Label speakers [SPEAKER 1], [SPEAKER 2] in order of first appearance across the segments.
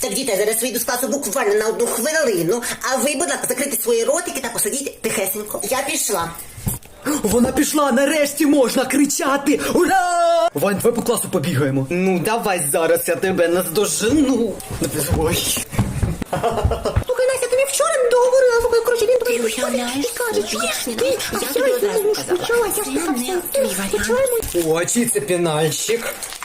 [SPEAKER 1] Так, діти, я зараз вийду з класу буквально на 1 хвилину, а ви, будь ласка, закрийте свої ротики та посидіть тихесенько. Я пішла.
[SPEAKER 2] Вона пішла, нарешті можна кричати! Ура! Вань, давай по класу побігаємо. Ну, давай зараз я тебе наздожену. Ой.
[SPEAKER 1] Слухай, Настя, ти мені вчора не договорила, слухай, коротше, він тобі
[SPEAKER 3] уявляєш,
[SPEAKER 1] і каже,
[SPEAKER 3] більше,
[SPEAKER 1] чуєш,
[SPEAKER 3] я тобі одразу сказала.
[SPEAKER 1] почала, я
[SPEAKER 3] Це
[SPEAKER 1] така
[SPEAKER 3] не
[SPEAKER 1] вся,
[SPEAKER 3] твій варіант.
[SPEAKER 2] О, чий це пенальщик?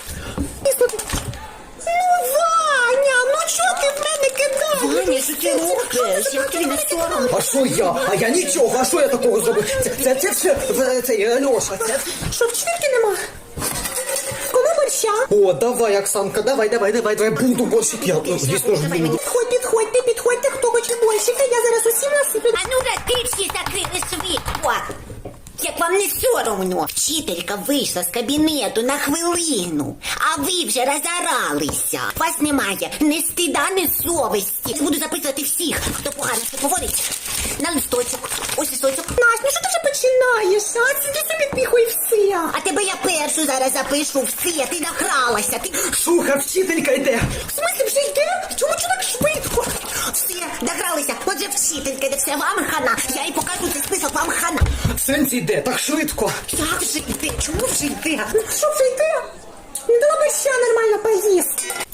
[SPEAKER 1] Ну, Ваня, ну чого ти в мене кидаєш?
[SPEAKER 3] Ваня, що ти робиш? Як тобі не соромно?
[SPEAKER 2] А що я? А я нічого, а що я такого зробив? Це все, це Льоша, це...
[SPEAKER 1] Що, вчительки нема? Кому борща?
[SPEAKER 2] О, давай, Оксанка, давай, буду борщик, я, звісно ж, буду.
[SPEAKER 1] Підходьте, хто хоче борщика, я зараз усім насиплю.
[SPEAKER 3] А ну ти всі закрили світло. Як вам не соромно? Вчителька вийшла з кабінету на хвилину, а ви вже розоралися. Вас немає ні стида, ні совісті. Буду записувати всіх, хто погано себе поводить, на листочок. Ось листочок.
[SPEAKER 1] Настя, ну що ти вже починаєш, а? Сиди собі тихо і все.
[SPEAKER 3] А тебе я першу зараз запишу все. Ти награлася. Ти...
[SPEAKER 2] Шуха, вчителька йде.
[SPEAKER 1] В смысле, вже йде? Чому так швидко?
[SPEAKER 3] Все, награлися. Отже, вчителька, де все вам хана. Я їй покажу цей список, вам хана.
[SPEAKER 2] Сенсі йде, так швидко.
[SPEAKER 3] Як вже йде? Чому вже йде?
[SPEAKER 1] Ну що вже йде? Не дала борща нормально поїсти.